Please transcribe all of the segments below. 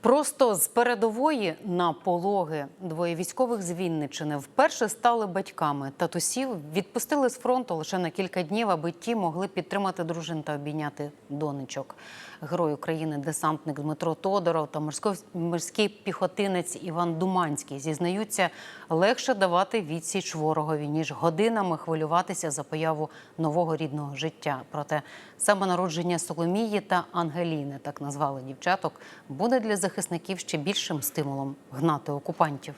Просто з передової на пологи. Двоє військових з Вінниччини вперше стали батьками. Татусів відпустили з фронту лише на кілька днів, аби ті могли підтримати дружин та обійняти донечок. Герой України десантник Дмитро Тодоров та морський піхотинець Іван Думанський зізнаються, легше давати відсіч ворогові, ніж годинами хвилюватися за появу нового рідного життя. Проте саме народження Соломії та Ангеліни, так назвали дівчаток, буде для захисників ще більшим стимулом гнати окупантів.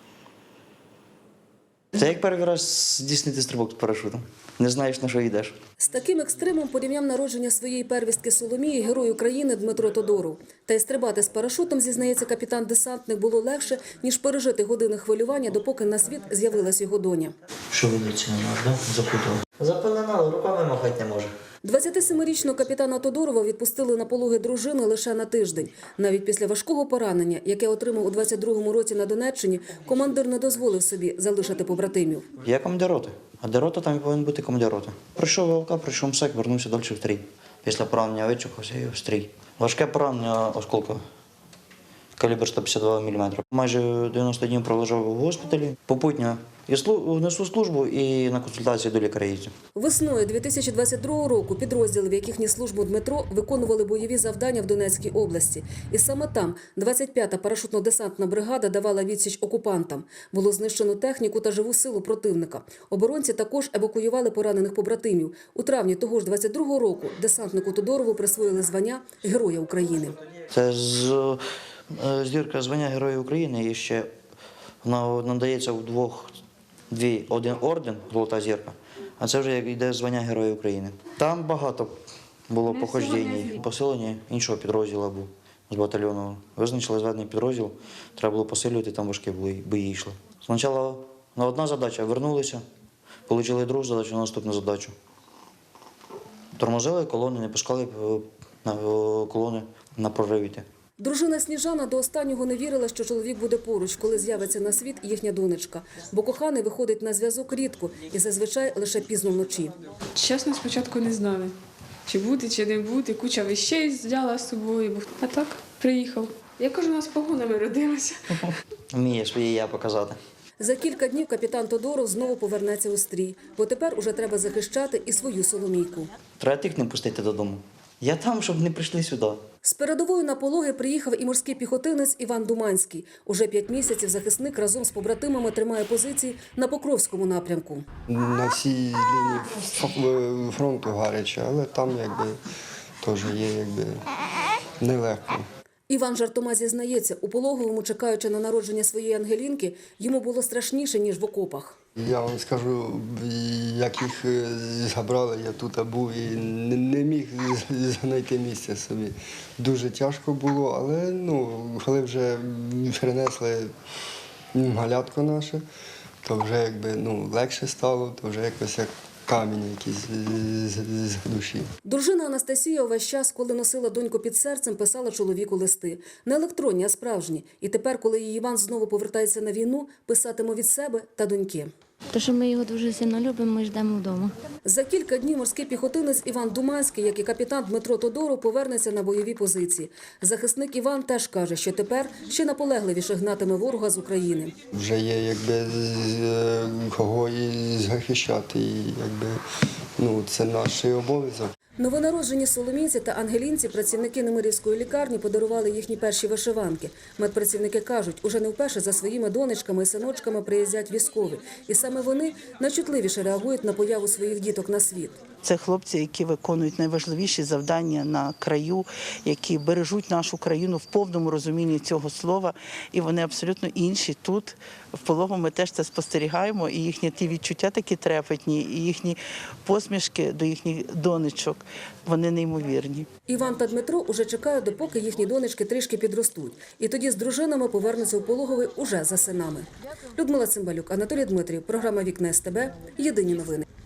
Це як перший раз здійснити стрибок з парашутом. Не знаєш, на що йдеш. З таким екстремом порівняв народження своєї первістки Соломії герой України Дмитро Тодоров. Та й стрибати з парашутом, зізнається капітан-десантник, було легше, ніж пережити години хвилювання, допоки на світ з'явилась його доня. Що вулиці не можна, да? Запутали. Запеленали, руками махати не може. 27-річного капітана Тодорова відпустили на пологи дружини лише на тиждень. Навіть після важкого поранення, яке отримав у 22-му році на Донеччині, командир не дозволив собі залишити побратимів. Я командир роти, а де рота, там і повинен бути командир роти. Прийшов ВЛК, прийшов МСЕК, вернувся далі в стрій. Після поранення вичухався і в стрій. Важке поранення осколка. Калібр 152 мм. Майже 90 днів пролежав у госпіталі. Попутно несу службу і на консультації до лікаря їздю. Весною 2022 року підрозділи, в яких ніс службу Дмитро, виконували бойові завдання в Донецькій області. І саме там 25-та парашутно-десантна бригада давала відсіч окупантам. Було знищено техніку та живу силу противника. Оборонці також евакуювали поранених побратимів. У травні того ж 22-го року десантнику Тодорову присвоїли звання Героя України. Це зірка звання Героя України і ще вона надається один орден, золота зірка, а це вже йде звання Героя України. Там багато було походжень, посилення іншого підрозділу був з батальйону. Визначили зведений підрозділ, треба було посилювати, там важкі бої йшли. Спочатку на одна задача вернулися, отримали другу задачу, на наступну задачу. Тормозили колони, не пускали колони на прорив йти. Дружина Сніжана до останнього не вірила, що чоловік буде поруч, коли з'явиться на світ їхня донечка. Бо коханий виходить на зв'язок рідко і зазвичай лише пізно вночі. Чесно, спочатку не знали, чи буде, чи не буде. Куча вещей взяла з собою. А так приїхав. Я кажу, у нас погонами родилася. Вміє своє я показати. За кілька днів капітан Тодоров знову повернеться у стрій, бо тепер уже треба захищати і свою Соломійку. Треба тих не пустити додому. Я там, щоб не прийшли сюди. З передової на пологи приїхав і морський піхотинець Іван Думанський. Уже 5 місяців захисник разом з побратимами тримає позиції на Покровському напрямку. На всій лінії фронту гаряче, але там теж є нелегко. Іван жартома зізнається, у пологовому, чекаючи на народження своєї Ангелінки, йому було страшніше, ніж в окопах. Я вам скажу, як їх забрали, я тут був і не міг знайти місця собі. Дуже тяжко було, але коли вже перенесли малятко наше, то вже легше стало, то вже якось як камінь якийсь з душі. Дружина Анастасія увесь час, коли носила доньку під серцем, писала чоловіку листи. Не електронні, а справжні. І тепер, коли її Іван знову повертається на війну, писатиме від себе та доньки. Тому що ми його дуже сильно любимо, ми ждемо вдома. За кілька днів морський піхотинець Іван Думанський, як і капітан Дмитро Тодоров, повернеться на бойові позиції. Захисник Іван теж каже, що тепер ще наполегливіше гнатиме ворога з України. Вже є кого і захищати, і це наш обов'язок. Новонароджені Соломійці та Ангелінці працівники Немирівської лікарні подарували їхні перші вишиванки. Медпрацівники кажуть, уже не вперше за своїми донечками і синочками приїздять військові. І саме вони найчутливіше реагують на появу своїх діток на світ. Це хлопці, які виконують найважливіші завдання на краю, які бережуть нашу країну в повному розумінні цього слова. І вони абсолютно інші тут. В пологовому ми теж це спостерігаємо. І їхні ті відчуття такі трепетні, і їхні посмішки до їхніх донечок, вони неймовірні. Іван та Дмитро уже чекають, допоки їхні донечки трішки підростуть. І тоді з дружинами повернуться у пологовий уже за синами. Людмила Цимбалюк, Анатолій Дмитрів. Програма «Вікна СТБ». Єдині новини.